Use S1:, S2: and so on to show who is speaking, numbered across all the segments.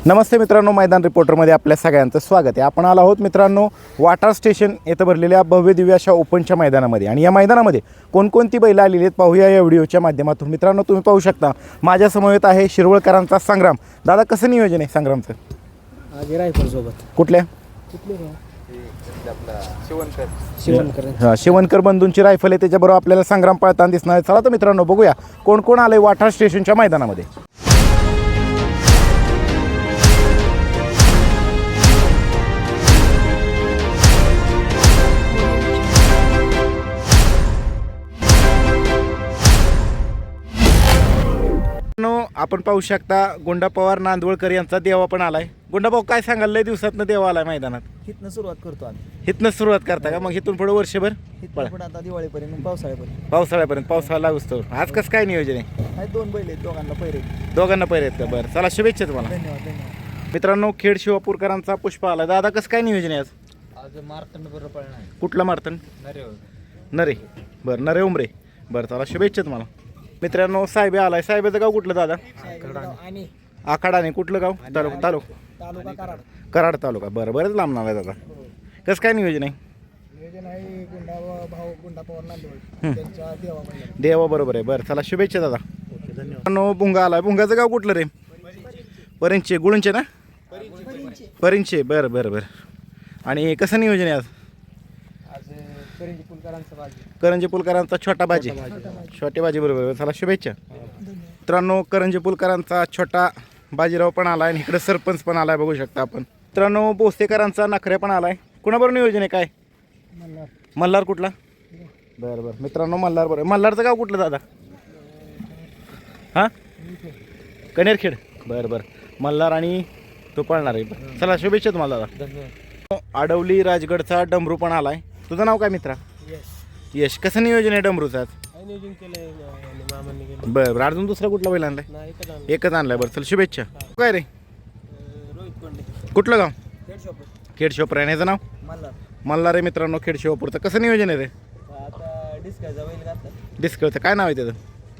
S1: नमस्ते मित्रांनो, मैदान रिपोर्टरमध्ये आपल्या सगळ्यांचं स्वागत आहे. आपण आलो आहोत मित्रांनो वाटार स्टेशन येथे भरलेल्या भव्य दिव्य अशा ओपनच्या मैदानामध्ये. आणि या मैदानामध्ये कोणकोणती बैलं आलेली आहेत पाहूया या व्हिडिओच्या माध्यमातून. मित्रांनो, तुम्ही पाहू शकता माझ्यासमोर आहे शिरवळकरांचा संग्राम. दादा, कसं नियोजन आहे संग्रामचं?
S2: आगे रायफल सोबत
S1: कुठल्या? शिवणकर बंधूंची रायफल आहे, त्याच्याबरोबर आपल्याला संग्राम पळताना दिसणार आहे. चला तर मित्रांनो बघूया कोण कोण आलंय वाटार स्टेशनच्या मैदानामध्ये. आपण पाहू शकता गुंडा पवार नांदवळकर यांचा देवा पण आलाय. गुंडा भाऊ, काय सांगाल? लय दिवसातनं देवा आलाय मैदानात.
S2: हितनं सुरुवात करतो आम्ही.
S1: हितनं सुरुवात करता का? मग हिथून पुढे वर्षभर
S2: हितनं पण आता दिवाळीपर्यंत पावसाळ्यापर्यंत
S1: पावसाळा लागतो. आज कसं काय नियोजन आहे?
S2: दोन बैल आहेत, दोघांना पहिरे.
S1: दोघांना पहिरे आहेत का? बरं, चला शुभेच्छा तुम्हाला.
S2: धन्यवाद.
S1: मित्रांनो, खेड शिवापूरकरांचा पुष्प आला. दादा, कसं काय नियोजन आहे आज?
S2: आज मारतंड बरोबर पळणार.
S1: कुठला मारतन? नरे. बरं, नरे उमरे. बरं, चला शुभेच्छा तुम्हाला. मित्रांनो, साहेब आलाय. साहेबाचं गाव कुठलं दादा? आखाडाने. कुठलं गाव? तालुका कराड तालुका. बरं, बरंच लांब नाव आहे दादा. कसं काय नियोजन आहे? देवा बरोबर आहे. बरं, चला शुभेच्छा दादा. मित्रांनो, भुंगा आलाय. भुंगाचं गाव कुठलं रे? परिंचे. गुळूंचे ना? परिंचे. बरं बरं बरं. आणि कसं नियोजन आहे आज? करंजी पुलकरांचा छोटा बाजी. छोटे बाजी बरोबर. चला शुभेच्छा. मित्रांनो, करंजी पुलकरांचा छोटा बाजीराव पण आलाय आणि इकडे सरपंच पण आलाय, बघू शकता आपण. मित्रांनो, बोस्तेकरांचा नखरे पण आलाय. कुणाबरोबर नियोजन आहे काय? मल्हार. कुठला? बरं बरं. मित्रांनो, मल्हार बरोबर. मल्हारचं गाव कुठलं दादा? हां, कनेरखेड. बरं बरं. मल्हार आणि तो पळणार आहे. चला शुभेच्छा तुम्हाला दादा. आडवली राजगडचा डमरू पण आलाय. तुझं नाव काय मित्रा? यश. कसं नियोजन आहे डमरूचं आज? बरं बरं. अजून दुसरा कुठला बैल आणलाय? एकच आणलाय. बरं, चल शुभेच्छा. काय रे? कुठलं गाव? खेड शिवापूर. आहे याचं नाव? मल्हार आहे. मित्रांनो, खेड शिवापूरचं कसं नियोजन आहे रे? डिस्कळचं काय नाव आहे त्याचं?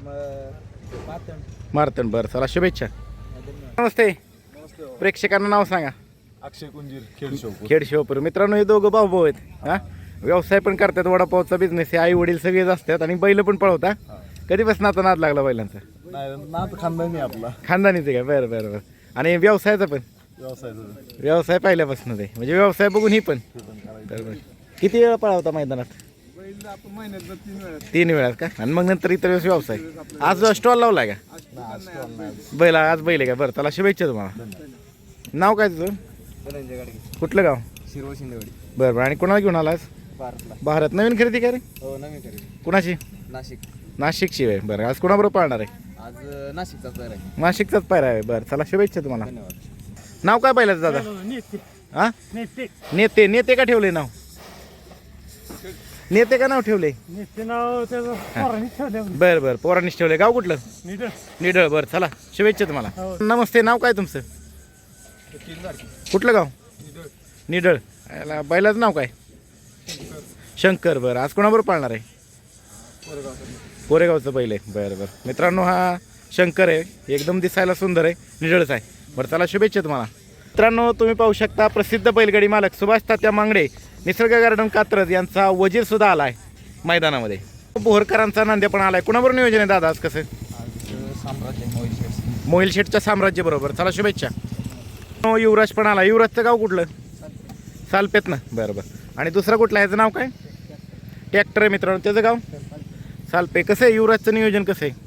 S1: मारतन. बरं, चला शुभेच्छा. नमस्ते. प्रेक्षकांना नाव सांगा.
S3: अक्षय कुंजीर,
S1: खेड शिवापूर. मित्रांनो, हे दोघं भाऊ आहेत. हां, व्यवसाय पण करतात, वडापावचा बिझनेस आहे. आई वडील सगळेच असतात आणि बैल पण पळवता. कधीपासून आता नाद लागला बैलांचा?
S3: खानदानी आपला.
S1: खानदानीच आहे का? बरं बरं बरं. आणि व्यवसायाचा पण? व्यवसाय पहिल्यापासून आहे, म्हणजे व्यवसाय बघून ही पण. बरं. किती वेळा पळवता मैदानात? 3 वेळात का? आणि मग नंतर इतर वेळेस व्यवसाय. आज स्टॉल लावलाय का बैल? आज बैल आहे का? बरं, चला शुभेच्छा तुम्हाला. नाव काय तुझं? कुठलं गाव?
S3: शिंदेवाडी.
S1: बरं बरं. आणि कोणाला घेऊन आलास? भारत. नवीन खरेदी काय रे?
S3: हो, नवीन खरेदी.
S1: कुणाची? नाशिकची आहे. बरं, आज कोणाबरोबर पाळणार आहे?
S3: आज
S1: नाशिकचाच पायरा आहे. बरं, चला शुभेच्छा तुम्हाला. नाव काय बैलाचं दादा? हां, नेते का ठेवले नाव? नेते का नाव ठेवले? बरं बरं. पोरांनीच ठेवले. गाव कुठलं? निडळ. बरं, चला शुभेच्छा तुम्हाला. नमस्ते. नाव काय तुमचं? कुठलं गाव? निडळ. बैलाचं नाव काय? शंकर. बरं, आज कोणाबरोबर पाळणार आहे? कोरेगावचं बैल आहे. बरं बरं. मित्रांनो, हा शंकर आहे. एकदम दिसायला सुंदर आहे. निडळच आहे. बरं, चला शुभेच्छा तुम्हाला. मित्रांनो, तुम्ही पाहू शकता प्रसिद्ध बैलगाडी मालक सुभाष तात्या मांगडे निसर्ग गार्डन कात्रज यांचा वजीर सुद्धा आला आहे मैदानामध्ये. बोहरकरांचा नांद्या पण आलाय. कुणाबरोबर नियोजन आहे दादा आज? कसं? मोहिल शेठच्या साम्राज्य बरोबर. चला शुभेच्छा. युवराज पण आला. युवराजचं गाव कुठलं? सालपेत ना. बरं बरं. आणि दुसरा कुठला? ह्याचं नाव काय? ट्रॅक्टर आहे. मित्रांनो, त्याचं गाव सालपे. कसं आहे युवराजचं नियोजन? कसं आहे?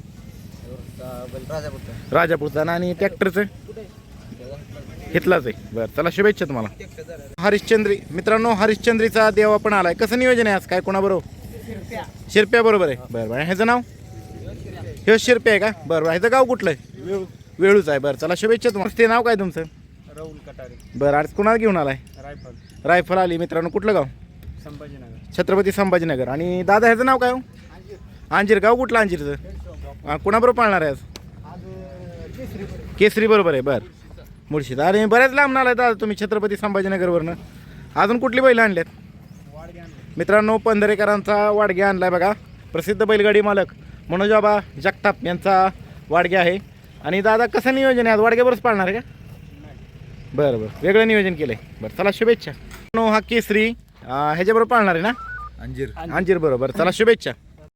S1: राजापूरचा. आणि ट्रॅक्टरचं घेतलाच आहे. बरं, चला शुभेच्छा तुम्हाला. हरिश्चंद्री. मित्रांनो, हरिश्चंद्रीचा देवा पण आलाय. कसं नियोजन आहे आज? काय कोणाबरोबर? शिरप्या बरोबर आहे. बरं बरं. ह्याचं नाव? हे शिरप्या आहे का? बरं बरं. ह्याचं गाव कुठलं आहे? वेळूच आहे. बरं, चला शुभेच्छा तुम्हाला. ते नाव काय तुमचं?
S2: राहुल कटारे.
S1: बरं, आज कुणाला घेऊन आलाय? रायफल आली. मित्रांनो, कुठलं गाव?
S2: संभाजीनगर.
S1: छत्रपती संभाजीनगर. आणि दादा, ह्याचं नाव काय हो? अंजीर. गाव कुठलं अंजीरचं? कुणाबरोबर पाळणार आहे आज? केसरी बरोबर आहे. बरं, मुळशीत. आणि बऱ्याच लांब आलाय दादा तुम्ही छत्रपती संभाजीनगरवरनं. अजून कुठली बैलं आणल्यात? मित्रांनो, पंधरेकरांचा वाडगे आणलाय बघा. प्रसिद्ध बैलगाडी मालक मनोजबाबा जगताप यांचा वाडगे आहे. आणि दादा, कसं नियोजन आहे आज? वाडग्यावरच पाळणार आहे का? बरं बरं वेगळं नियोजन केलंय बरं चला शुभेच्छा. हा केसरी ह्याच्याबरोबर पाळणार आहे ना
S3: अंजीर
S1: अंजीर बरोबर चला शुभेच्छा.